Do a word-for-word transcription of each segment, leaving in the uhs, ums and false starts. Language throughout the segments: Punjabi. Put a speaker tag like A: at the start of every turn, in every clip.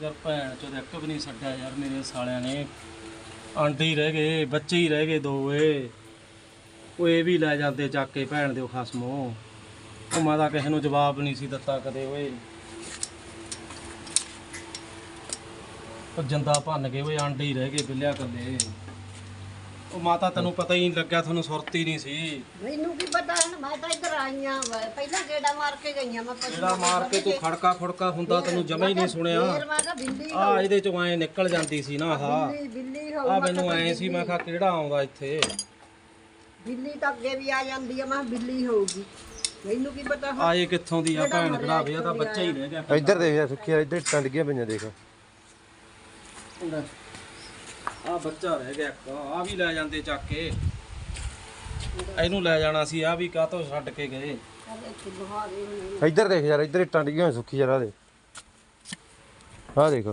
A: यार भैन चो एक भी नहीं छड्या यार मेरे सालियां ने आंडे ही रह गए बच्चे ही रह गए दो ए ਉਹ ਇਹ ਵੀ ਲੈ ਜਾਂਦੇ ਚੱਕ ਕੇ ਭੈਣ ਦਿਓ ਖਸਮੋ ਉਹ ਮੈਂ ਤਾਂ ਕਿਸੇ ਨੂੰ ਜਵਾਬ ਨਹੀਂ ਸੀ ਦਿੱਤਾ ਕਦੇ ਓਏ ਉਹ ਜੰਦਾ ਭੰਨ ਗਏ ਓਏ ਆਂਡੇ ਹੀ ਰਹਿ ਗਏ ਬਿੱਲਿਆ ਕੱਲੇ ਉਹ ਮਾਤਾ ਤੈਨੂੰ ਪਤਾ ਹੀ ਨਹੀਂ ਲੱਗਿਆ ਤੁਹਾਨੂੰ ਸੁਰਤ ਹੀ ਨਹੀਂ ਸੀ
B: ਮੈਨੂੰ ਕੀ ਪਤਾ ਹੁਣ ਮੈਂ ਤਾਂ ਇੱਧਰ ਆਈਆਂ ਪਹਿਲਾਂ ਗੇੜਾ ਮਾਰ ਕੇ ਗਈਆਂ ਮੈਂ
A: ਜਿਹੜਾ ਮਾਰ ਕੇ ਤੂੰ ਖੜਕਾ ਖੁੜਕਾ ਹੁੰਦਾ ਤੈਨੂੰ ਜਮਾ ਹੀ ਨਹੀਂ ਸੁਣਿਆ
B: ਫੇਰ ਮੈਂ ਕਿਹਾ ਬਿੱਲੀ
A: ਆ ਇਹਦੇ ਚੋਂ ਐ ਨਿਕਲ ਜਾਂਦੀ ਸੀ ਨਾ ਆਹ
B: ਬਿੱਲੀ ਬਿੱਲੀ ਹੋਊ
A: ਆ ਮੈਨੂੰ ਐ ਸੀ ਮੈਂ ਕਿਹਾ ਕਿਹੜਾ ਆਉਂਦਾ ਇੱਥੇ
B: ਬਿੱਲੀ ਤਾਂ ਅੱਗੇ ਵੀ ਆ ਜਾਂਦੀ ਆ ਮੈਂ ਕਿਹਾ ਬਿੱਲੀ ਹੋਊਗੀ ਮੈਨੂੰ ਕੀ ਪਤਾ ਹੁਣ
A: ਆਏ ਕਿੱਥੋਂ ਦੀ ਆ ਭੈਣ ਭਰਾਵੇ ਆ ਤਾਂ ਬੱਚਾ ਹੀ ਰਹਿ ਗਿਆ
C: ਇੱਧਰ ਦੇਖ ਯਾਰ ਸੁੱਖੀ ਇੱਧਰ ਟੰਡ ਗਿਆ ਪਈਆਂ ਦੇਖ
A: ਆ ਬੱਚਾ ਰਹਿ ਗਿਆ ਇੱਕ ਆ ਵੀ ਲੈ ਜਾਂਦੇ ਚੱਕ ਕੇ ਇਹਨੂੰ ਲੈ ਜਾਣਾ ਸੀ ਆ ਵੀ ਕਾਹਤੋਂ ਛੱਡ ਕੇ ਗਏ
B: ਇੱਥੇ ਬਹਾਰੇ ਹੋਣੇ
C: ਇੱਧਰ ਦੇਖ ਯਾਰ ਇੱਧਰ ਟੰਡ ਗਿਆ ਸੁੱਖੀ ਯਾਰ ਆ ਦੇ ਆ ਦੇਖ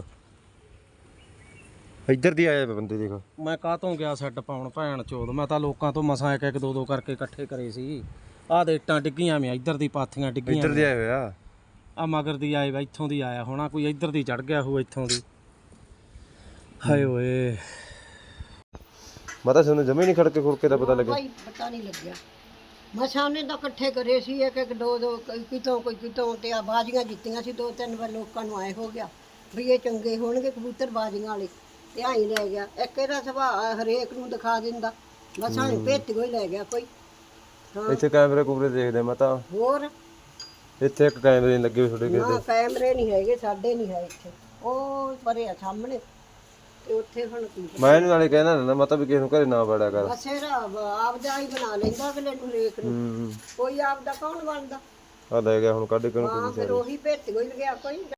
C: ਇੱਧਰ ਦੀ ਆਏ ਬੰਦੇ ਦੇਖ
A: ਮੈਂ ਕਾਹਤੋਂ ਗਿਆ ਸੈੱਟ ਪਾਉਣ ਭੈਣ ਚੋਦ ਮੈਂ ਤਾਂ ਲੋਕਾਂ ਤੋਂ ਮਸਾਂ ਇੱਕ ਇੱਕ ਦੋ ਦੋ ਕਰਕੇ ਇਕੱਠੇ ਕਰੇ ਸੀ ਆਹ ਦੇ ਇੱਟਾਂ ਡਿੱਗੀਆਂ ਮੈਂ ਇੱਧਰ ਦੀ ਪਾਥੀਆਂ ਡਿੱਗੀਆਂ
C: ਇੱਧਰ ਦੀ ਆਏ ਹੋਇਆ
A: ਆ ਮਗਰ ਦੀ ਆਏ ਵਾ ਇੱਥੋਂ ਦੀ ਆਇਆ ਹੋਣਾ ਕੋਈ ਇੱਧਰ ਦੀ ਚੜ ਗਿਆ ਹੋਊ ਇੱਥੋਂ ਦੀ ਹਾਏ ਓਏ
C: ਮੈਂ ਤਾਂ ਸਾਨੂੰ ਜਮੇ ਨਹੀਂ ਖੜਕੇ ਖੁੜਕੇ ਦਾ ਪਤਾ ਲੱਗਿਆ
B: ਭਾਈ ਪਤਾ ਨਹੀਂ ਲੱਗਿਆ ਮਸਾਂ ਨੇ ਤਾਂ ਇਕੱਠੇ ਕਰੇ ਸੀ ਇੱਕ ਇੱਕ ਦੋ ਦੋ ਕੋਈ ਕਿਤੋਂ ਕੋਈ ਕਿਤੋਂ ਤੇ ਆ ਬਾਜ਼ੀਆਂ ਜਿੱਤੀਆਂ ਸੀ ਦੋ ਤਿੰਨ ਵਾਰ ਲੋਕਾਂ ਨੂੰ ਆਏ ਹੋ ਗਿਆ ਵੀ ਇਹ ਚੰਗੇ ਹੋਣਗੇ ਕਬੂਤਰ ਬਾਜ਼ੀਆਂ ਵਾਲੇ ਤੇ ਆਈ ਲੈ ਗਿਆ ਇੱਕ ਇਹਦਾ ਸੁਭਾਅ ਹਰੇਕ ਨੂੰ ਦਿਖਾ ਦਿੰਦਾ ਮਸਾਂ ਨੂੰ ਭੇਤ ਕੋਈ ਲੈ ਗਿਆ ਕੋਈ ਹਾਂ
C: ਇੱਥੇ ਕੈਮਰੇ ਕੁਮਰੇ ਦੇਖਦੇ ਮੈਂ ਤਾਂ
B: ਹੋਰ
C: ਇੱਥੇ ਇੱਕ ਕੈਮਰੇ ਨਹੀਂ ਲੱਗੇ ਹੋਏ ਤੁਹਾਡੇ ਕਿਸੇ
B: ਨਾ ਕੈਮਰੇ ਨਹੀਂ ਹੈਗੇ ਸਾਡੇ ਨਹੀਂ ਹੈ ਇੱਥੇ ਉਹ ਪਰੇ ਆ ਸਾਹਮਣੇ ਤੇ ਉੱਥੇ ਹੁਣ ਕੀ
C: ਮੈਂ ਇਹਨੂੰ ਨਾਲੇ ਕਹਿਣਾ ਰਹਿੰਦਾ ਮੈਂ ਤਾਂ ਵੀ ਕਿਸੇ ਨੂੰ ਘਰੇ ਨਾ ਵੜਿਆ ਕਰ
B: ਬਸੇਰਾ ਆਪਦਾ ਹੀ ਬਣਾ ਲੈਂਦਾ ਅਗਲੇ ਨੂੰ ਹਰੇਕ ਨੂੰ
C: ਹੂੰ
B: ਕੋਈ ਆਪਦਾ ਕੌਣ ਬਣਦਾ
C: ਆ ਲੈ ਗਿਆ ਹੁਣ ਕੱਢ ਕੇ ਉਹਨੂੰ
B: ਹਾਂ ਫਿਰ ਉਹੀ ਭੇਤ ਕੋਈ ਗਿਆ ਕੋਈ